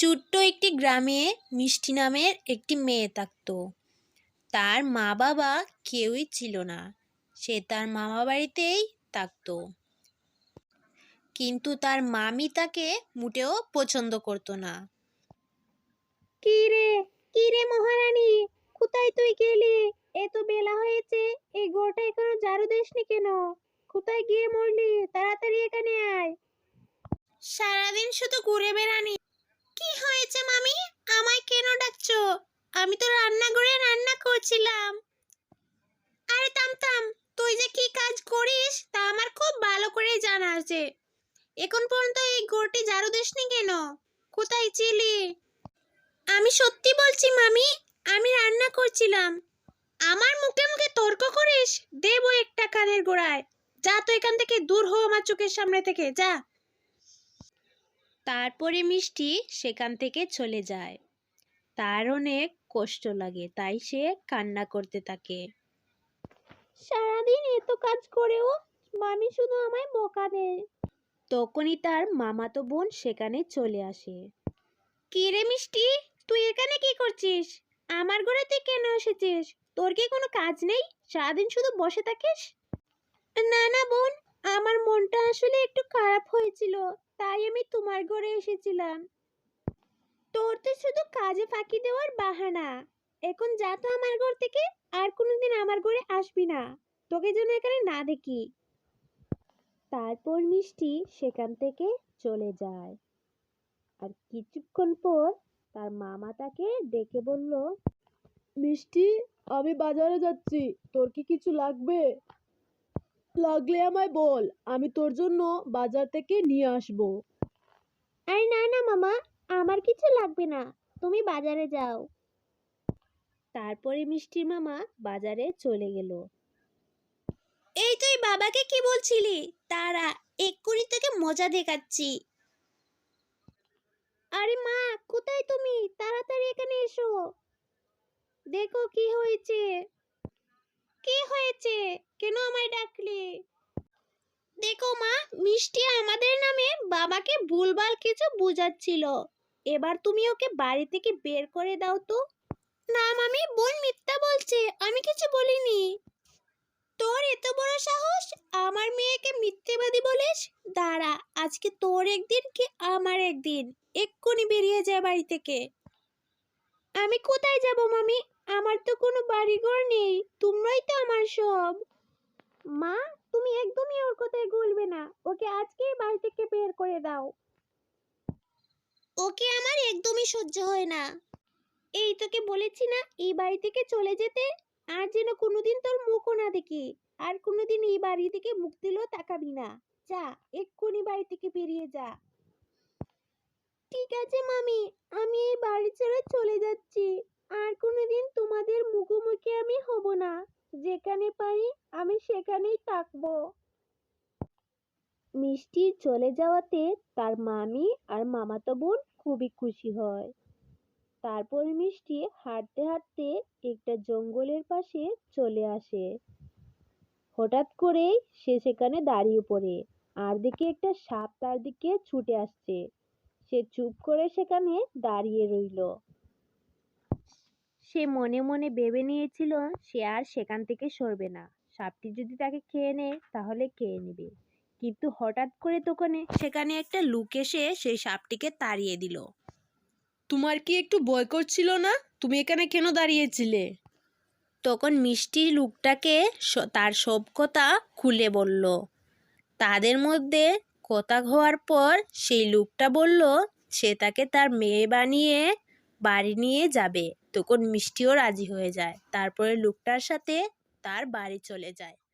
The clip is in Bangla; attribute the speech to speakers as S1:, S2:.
S1: ছোট্ট একটি গ্রামে মিষ্টি নামের একটি মেয়ে থাকত। তার মা বাবা কেউই ছিল না। সে তার মামা বাড়িতেই থাকত। কিন্তু তার মামি তাকে মোটেও পছন্দ করতো না।
S2: কি রে কি রে মহারানী, কোথায় তুই গেলি? এত বেলা হয়েছে, এই ঘরটা এখনো ঝাড়ু দিসনি কেন? কোথায় গিয়ে মরলি? তাড়াতাড়ি এখানে আয়।
S1: সারাদিন শুধু ঘুরে বেড়ানি। কি হয়েছে মামি? আমায় কেন ডাকছো? আমি তো রান্নাঘরে রান্না করছিলাম। আরে থাম থাম, তুই যে কি কাজ করিস তা আমার খুব ভালো করে জানা আছে। এখন পর্যন্ত এই ঘরটি ঝাড়ু দিসনি কেন? কোথায় ছিলি? আমি সত্যি বলছি মামি, আমি রান্না করছিলাম। আমার মুখে মুখে তর্ক করিস, দেবো একটা কানের গোড়ায়। যা তো এখান থেকে, দূর হো আমার চোখের সামনে থেকে, যা। তারপরে মিষ্টি সেখান থেকে চলে যায়। তার অনেক কষ্ট লাগে, তাই সে কান্না করতে থাকে।
S2: সারাদিন এত কাজ করেও মামি শুধু আমায় বকা দেয়।
S1: তখনই তার মামাতো বোন সেখানে চলে আসে। কি রে মিষ্টি, তুই এখানে কি করছিস? আমার ঘরে তুই কেন এসেছিস? তোর কি কোনো কাজ নেই? সারাদিন শুধু বসে থাকিস?
S2: না না বোন, আমার মনটা আসলে একটু খারাপ হয়েছিল, তাই আমি তোমার ঘরে এসেছিলাম। তোর তো শুধু কাজে ফাঁকি দেওয়ার বাহানা। এখন যা তো আমার ঘর থেকে, আর কোনোদিন আমার ঘরে আসবি না। তোকে যেন এখানে না দেখি।
S1: তারপর মিষ্টি সেখান থেকে চলে যায়। আর কিছুক্ষণ পর তার মামা তাকে ডেকে বলল,
S3: মিষ্টি, আমি বাজারে যাচ্ছি, তোর কি কিছু লাগবে? লাগলে আমায় বল, আমি তোর জন্য বাজার থেকে নিয়ে আসবো।
S2: আরে না না মামা, আমার কিছু লাগবে না, তুমি বাজারে যাও।
S1: তারপরে মিষ্টির মামা বাজারে চলে গেল। এই তুই বাবাকে কি বলছিলি? তারা এক্ষুনি তোকে মজা দেখাচ্ছি।
S2: আরে মা, কোথায় তুমি? তাড়াতাড়ি এখানে এসো। দেখো কি হয়েছে।
S1: কি হয়েছে? কেন আমায় ডাকলি? দেখো মা, মিষ্টি আমাদের নামে বাবাকে ভুলভাল কিছু বুঝাচ্ছিল। এবার তুমি ওকে বাড়ি থেকে বের করে দাও তো। না মামি, বোন মিথ্যা বলছে, আমি কিছু বলিনি। তোর এত বড় সাহস, আমার মেয়েকে মিথ্যেবাদী বলিস? দাঁড়া, আজকে তোর একদিন কি আমার একদিন। এক্ষুনি বেরিয়ে যায় বাড়ি থেকে।
S2: আমি কোথায় যাব মামি? আমার তো কোনো বাড়িঘর নেই, তোমরাই তো আমার সব। মা, তুমি একদমই ওর কথায় গলবে না, ওকে আজকেই বাড়ি থেকে বের করে দাও।
S1: ওকে আমার একদমই সহ্য হয় না।
S2: এই তোকে বলেছি না এই বাড়ি থেকে চলে যেতে, আর যেন কোনোদিন তোর মুখও না দেখি। আর কোনোদিন এই বাড়ি থেকে মুখ দিলেও তাকাবি না। যা, এক্ষুনি বাড়ি থেকে বেরিয়ে যা। ঠিক আছে মামি, আমি এই বাড়ি ছেড়ে চলে যাচ্ছি। আর কোনোদিন তোমাদের মুখোমুখি আমি হব না। যেখানে পারি আমি সেখানেই থাকবো।
S1: মিষ্টির চলে যাওয়াতে তার মামি আর মামাতো বোন খুবই খুশি হয়। তারপর মিষ্টি হাঁটতে হাঁটতে একটা জঙ্গলের পাশে চলে আসে। হঠাৎ করেই সে সেখানে দাঁড়িয়ে পড়ে, আর দেখে একটা সাপ তার দিকে ছুটে আসছে। সে চুপ করে সেখানে দাঁড়িয়ে রইল। সে মনে মনে ভেবে নিয়েছিল সে আর সেখান থেকে সরবে না। সাপটি যদি তাকে খেয়ে নেয় তাহলে খেয়ে নেবে। কিন্তু হঠাৎ করে তখন সেখানে একটা লোক এসে সেই সাপটিকে তাড়িয়ে দিল।
S3: তোমার কি একটু ভয় করছিল না? তুমি এখানে কেন দাঁড়িয়েছিলে?
S1: তখন মিষ্টি লোকটাকে তার সব কথা খুলে বলল। তাদের মধ্যে কথা হওয়ার পর সেই লোকটা বলল সে তাকে তার মেয়ে বানিয়ে বাড়ি নিয়ে যাবে। তখন মিষ্টিও রাজি হয়ে যায়। তারপরে লোকটার সাথে তার বাড়ি চলে যায়।